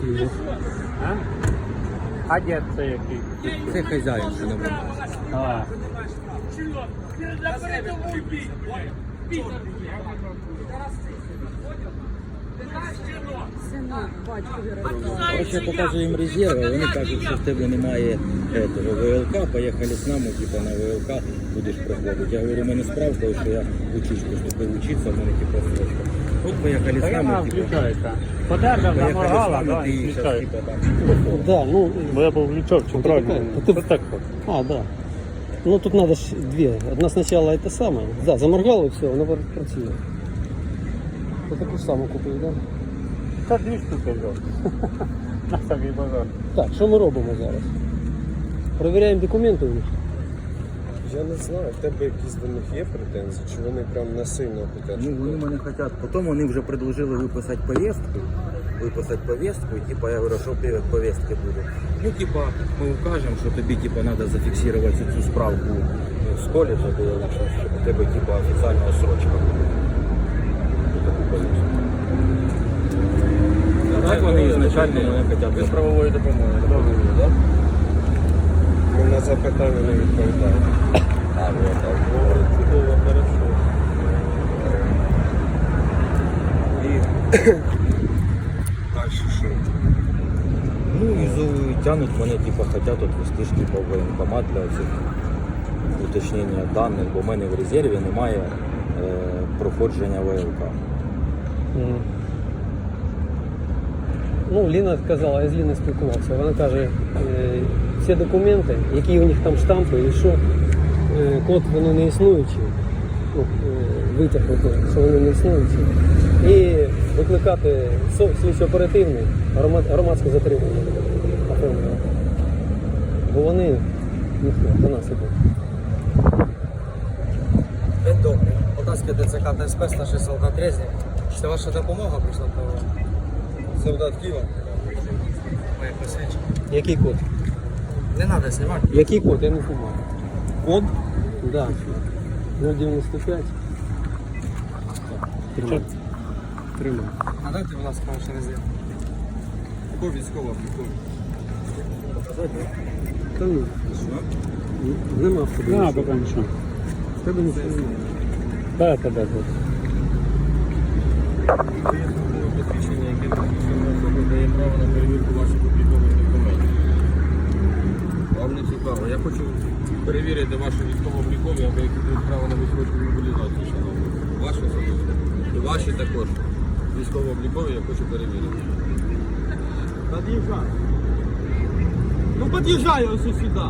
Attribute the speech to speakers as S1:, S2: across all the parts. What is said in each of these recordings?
S1: їде.
S2: А дід це який?
S1: Це хазяїн, що не буде.
S2: А.
S1: Короче, я покажу їм резерви, вони кажуть, що в тебе немає этого, ВЛК, поїхали з нами, типа на ВЛК будеш проходити. Я говорю, у мене справка, що я учусь, поступив учитися, в мене типа срочка. От поїхали з нами, типа.
S2: Включається. Подержав, заморгала, да, і включається.
S1: Да, ну,
S2: Бо я був влічок, чи правильно?
S1: Ти-
S2: Ось так от.
S1: а, да. Ну тут надо ж две. Одна сначала это самое. Да, заморгало и все, воно працює. Ти таку ж саму купив, да?
S2: Це 2 штуки взяв. На самий базар.
S1: Так, що ми робимо зараз? Перевіряємо документи у них.
S3: Я не знаю, в тебе якісь до них є претензії, чи вони прям насильно хочуть?
S1: Ну, вони мене хочуть. Потім вони вже предложили виписати повістку. І типа я говорю, що повістки буде. Ну, типа, ми укажемо, що тобі типа треба зафіксувати цю справку з коледжа, щоб у тебе типа офіційна срочка була. Таку повістку. А так вони ізначально мене хочуть.
S2: Без правової допомоги.
S3: Так? Ми на запитання не відповідаємо.
S1: А, вот так.
S3: Чудово, хорошо. І далі що?
S1: Ну і тянуть мене, типа, хотят отвести ж типа в воєнкомат для цих уточнення даних, бо в мене в резерві немає проходження ВЛК. Ну, Ліна сказала, я з Ліною спілкувався. Вона каже, всі документи, які у них там штампи, і що код воно не існуючий, ну, витяг, що вони не існуючі. І викликати слідчо-оперативне громадське затримання оформлювати. Бо вони до нас ідуть.
S4: День добрий. Полтавське ДЦК ТСП, старший солдат Резнік. Це ваша допомога прийшла до солдат Києва? Моє посвідчення.
S1: Який код?
S4: Не треба знімати.
S1: Який код? Я не знаю. Код? Так. Да. 095. Тримай. Тримай.
S4: Надайте, будь ласка, ваш резерв. Або військова облікові.
S1: Та ні. Нема в тебе.
S2: На,
S1: нічого.
S2: поки нічого.
S1: В тебе нічого немає.
S2: Дай тебе.
S3: Посвідчення, яке посвідчена особа дає право на перевірку ваших облікових документів. Вам не цікаво. Я хочу перевірити ваші військово-облікові, або які дають право на відсрочку мобілізацію, шановні. Ваші особисто. І ваші також. Військово-облікові я хочу перевірити.
S4: Подъезжай. Ну подъезжай ось сюди.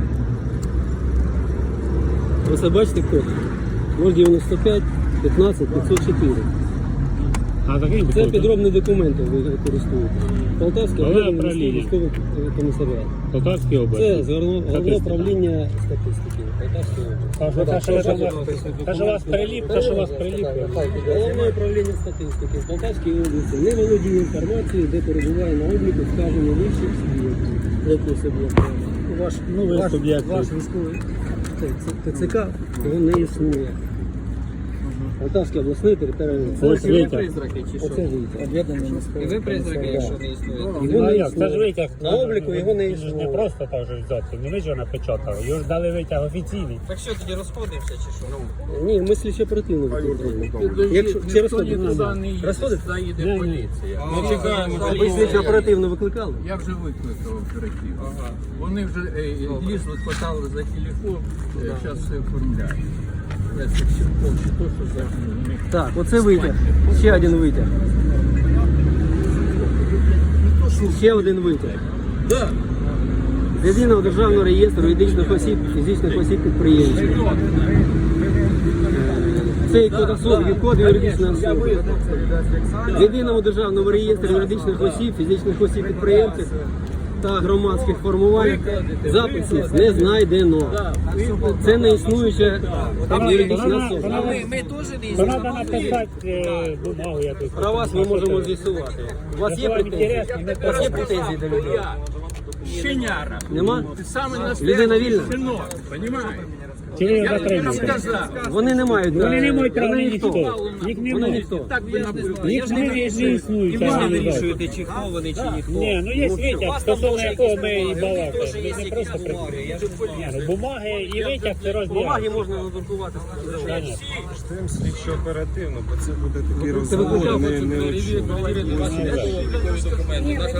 S1: Ось бачите код? 095 15 504.
S2: А такий
S1: Це підробні документи ви використовуєте. Полтавське
S2: Головне
S1: головне
S2: управління.
S1: військовий комісаріат.
S2: Полтавській області.
S1: Це головне управління статистики Полтавської області.
S2: Та ж у вас приліп, та ж у вас приліп.
S1: Головне управління статистики в Полтавській області не володіє інформацією, де перебуває на обліку вказані вищих суб'єктів. Який суб'єкт?
S2: Ви суб'єкт.
S1: Ваш військовий ТЦК, його не існує. Полтавський обласний територіальний
S2: Ось
S1: центр.
S2: витяг.
S1: Оце витяг.
S4: І ви призраки, якщо не існує.
S1: Його
S2: Ну,
S1: не
S2: як, це ж
S1: існує.
S2: витяг.
S1: На обліку його не
S2: Він ж не
S1: існує.
S2: просто так же взяти, не ви ж його напечатали. Його ж дали витяг офіційний.
S4: Так що, тоді розходимося чи що?
S1: Ні, ми слідчо оперативно виконуємо. Якщо чи розходимо? Розходимо?
S5: Заїде поліція.
S4: Ми чекаємо.
S1: Ви слідчо оперативно викликали?
S5: Я вже викликав оперативно. Вони вже лізли, спитали за телефон, зараз все оформляють. Я це все повністю, то, що завжди у них.
S1: Так, оце витяг. Ще один витяг. Ще один витяг.
S5: Да.
S1: З єдиного державного реєстру юридичних осіб, фізичних осіб підприємців. Цей код особи, код юридичної особи. З єдиного державного реєстру юридичних осіб, фізичних осіб підприємців та громадських формувань записів не знайдено. Це не існуюча юридична особа.
S4: Ми теж не
S2: То треба написати бумагу якусь.
S1: Про вас ми можемо з'ясувати. У вас є претензії? У вас є претензії до людей?
S5: Щеняра.
S1: Нема?
S5: Ти саме
S1: Людина
S5: настоящий
S1: вільна?
S5: щенок, розумієш?
S6: Чи ви його
S5: Я вам
S6: затримуєте?
S5: сказав.
S1: Вони не мають.
S6: Вони не мають
S1: вони
S6: права
S1: ніхто.
S6: ніхто. Їх
S1: Вони
S6: немає.
S1: ніхто.
S5: Так ви написали.
S6: Їх не існують.
S4: І ви не вирішуєте, чи хто вони, чи ніхто.
S6: Ні, ну є витяг, стосовно якого ми і балакаємо.
S4: Теж
S6: Ми
S4: є
S6: не
S4: якісь
S6: просто
S4: бумаги. Я ж
S6: Ні, ну бумаги і витяг це
S1: Бумаги
S6: розділяє.
S1: можна надрукувати.
S7: Ждемо слідчо оперативно, бо це буде такий
S1: Це
S7: розговор,
S1: викликав
S7: не
S3: Перевірити ваші військово-облікові документи. Наша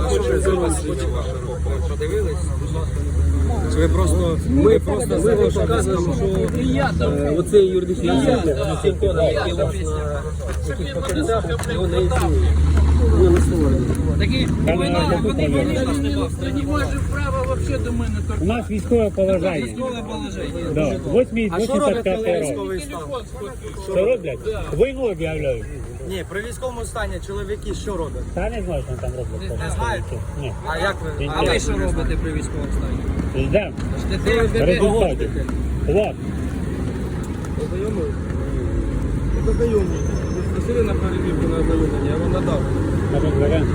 S4: Подивились?
S1: Чи ви просто ми вам показуємо, що оцей юридичний особи, цей код, який у вас на яких пакетах, його не існує. Його не створено.
S6: Вони
S5: Не може права взагалі до мене торкнутися.
S6: У нас військове положення.
S4: Військове положення.
S6: Да. 8
S1: А що роблять,
S6: 85
S1: коли
S6: років.
S1: військовий стан?
S6: Що роблять? Війну об'являють.
S4: Ні, при військовому стані чоловіки що роблять?
S6: Та не знаю, що там роблять.
S4: Не знаєте?
S6: Ні.
S4: А як ви?
S6: А ви що
S4: робите при військовому стані?
S6: Ждемо. Результатів. Вот.
S3: Ознайомлюйтесь. Ви просили на перевірку на ознайомлення, я вам надав.
S6: Розберемо.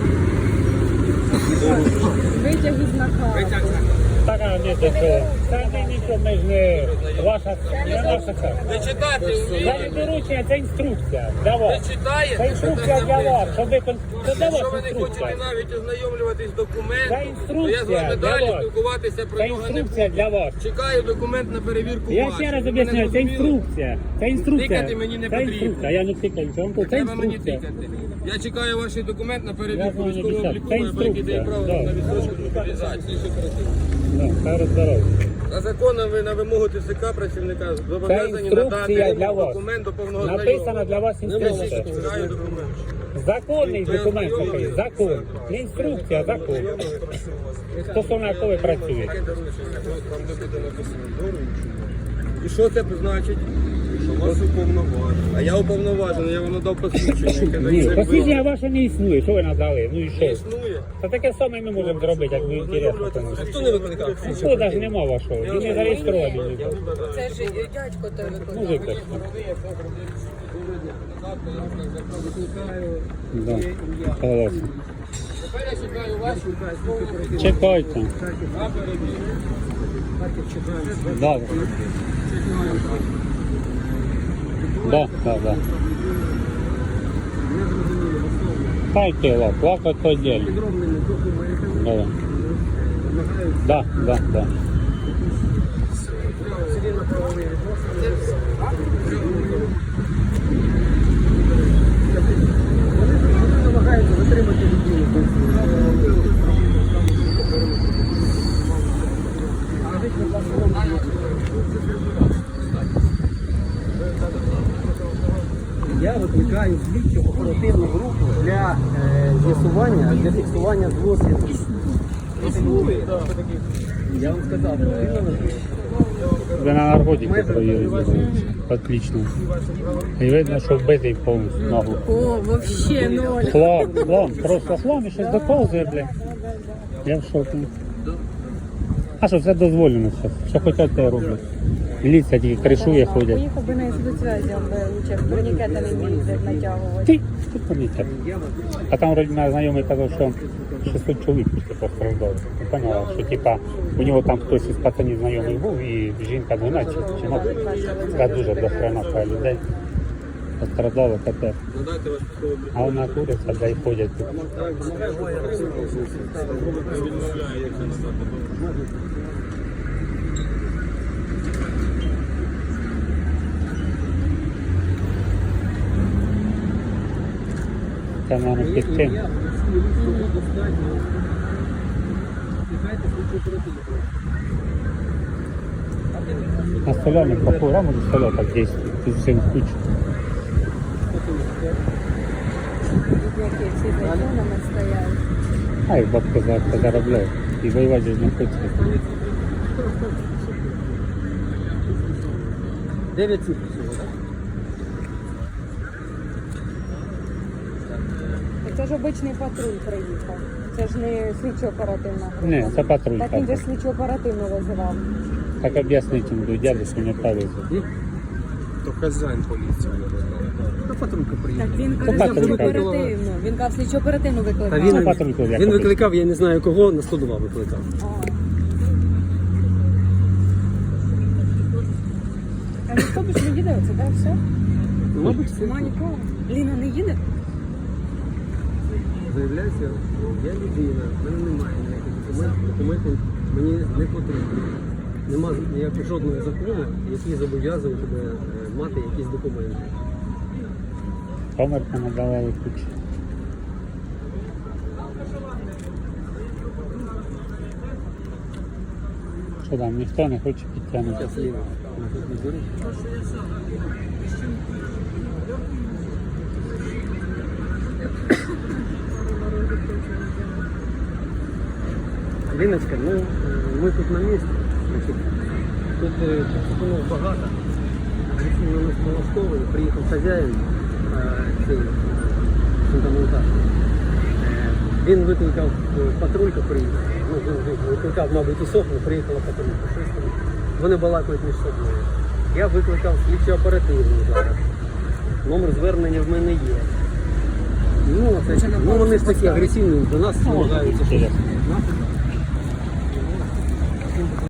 S8: Витяг із наказу.
S6: Так, а не до чого. Та не нічого, ми ж не ваша, не наша це.
S3: Не читати
S6: Це
S3: вмієте?
S6: не доручення, це інструкція для вас.
S3: Не читаєте?
S6: Це інструкція для вас, щоб ви це для
S3: Якщо
S6: вас
S3: ви не хочете
S6: інструкція.
S3: навіть ознайомлюватись з
S6: Це
S3: документом, то я з вами
S6: інструкція для
S3: далі
S6: вас.
S3: спілкуватися про
S6: Це
S3: нього не
S6: інструкція
S3: буду.
S6: для вас.
S3: Чекаю документ на перевірку
S6: Я
S3: вашу.
S6: ще раз
S3: Ви мене
S6: об'ясняю, це
S3: зрозуміли?
S6: інструкція. Це інструкція.
S3: Тикати мені не
S6: Це
S3: потрібно.
S6: інструкція. Я не тикаю, що вам
S3: Не
S6: це
S3: треба мені
S6: інструкція.
S3: тикати. Я чекаю ваш документ на
S6: Я
S3: перевірку
S6: знаю, не
S3: військового
S6: обіцяв. Це
S3: обліку, який дає
S6: інструкція.
S3: право
S6: Да.
S3: на відсрочку мобілізації.
S6: Да, хай здоров'я.
S3: За законом ви на вимогу ТЦК працівника зобов'язані надати
S6: інструкція для вас.
S3: документ до повного
S6: Написана
S3: знайомства.
S6: для вас інструкція.
S3: Чекаю документ.
S6: Законний документ такий, закон. Не інструкція, а закон. Стосовно якого ви працюєте.
S3: Там де буде написано доручення. І що це значить? Що вас уповноважено. А я уповноважений, я вам надав посвідчення, яке
S6: Ні,
S3: дає
S6: посвідчення ваше не існує. Що ви надали? Ну і
S3: не
S6: що?
S3: існує.
S6: Та таке саме ми можемо зробити, як ви інтересно. тому.
S1: Хто не викликав?
S6: Ну, навіть нема вашого. Він не зареєстрований.
S8: Це ж дядько той
S6: Ну,
S8: виконав.
S6: виклик. Да. Согласен.
S3: Тепер я чекаю вашу військову
S6: Чекайте. Да. Да. Дайте лак, лак это отдельно. Да.
S1: Намагаються затримати людину. Я викликаю слідчу оперативну групу для з'ясування, для фіксування злочинів. Я вам сказав,
S6: Ви на наркотики поїли. Отлично. І видно, що вбитий повністю ногу.
S8: О, вообще ноль.
S6: Хлам, просто хлам і щось доповзує, блядь. Я в шокі. А що, це дозволено зараз. Що хочуть, те роблять. Міліція тільки кришує, ходять.
S8: Поїхав би на спецвязі, аби лучше турнікети не вміють натягувати.
S6: Ти помітив. А там вроді мене знайомий казав, що 600 чоловік після постраждали. Я поняла, що типа у нього там хтось із пацанів знайомий був і жінка 12 жінок. Це дуже дохрена людей. Постраждали тепер.
S3: Надайте ваш військовий облік.
S6: А вона куриця, де й ходять тут.
S3: Відмовляю, як це надати.
S6: Це, мабуть, під тим. На соляных какой раму за соля так действует? Ты всем кучу.
S8: Які всі за іконами стоять.
S6: А их бабка заробляет. И воевать здесь не хочется.
S1: 9 цифр всього, так?
S8: Це ж обичний патруль приїхав. Це ж не слідчо-оперативна група.
S6: Не, это патруль.
S8: Так він же ж слідчо-оперативно визивав.
S6: Как объяснить ему, дядя, что не повезло.
S7: То хазяїн поліції.
S1: Та патрулька приїхала.
S8: Так він
S6: Це
S8: каже
S6: патрулька.
S8: слідчо-оперативно. Він каже слідчо-оперативно
S1: Та
S8: викликав.
S1: він,
S6: патрулька, як
S1: він
S6: робить?
S1: викликав, я не знаю кого, на 102 викликав.
S8: А. А ніхто більше не їде, оце, так, все?
S1: Мабуть, все.
S8: Нема нікого. Ліна не їде?
S1: Заявляється, я людина, в мене немає ніяких документів мені не потрібно. Нема ніякого жодного закону, який зобов'язує тебе мати якісь документи.
S6: Комерка надавали ключ. Що там, ніхто не хоче підтягнути?
S1: Зараз Ліна на тут не беруть. Ліночка, ну ми тут на місці. Значить, тут пропонував багато. Агресивно нас налаштовані. Приїхав хазяїн цей фундаментар. Він викликав патрульку, приїхав. Ну, він викликав, мабуть, і сохну, приїхала патрулька. Щось там. Вони балакають між собою. Я викликав слідчо оперативну зараз. Номер звернення в мене є. Ну, це, ну вони ж такі агресивні, до нас намагаються щось.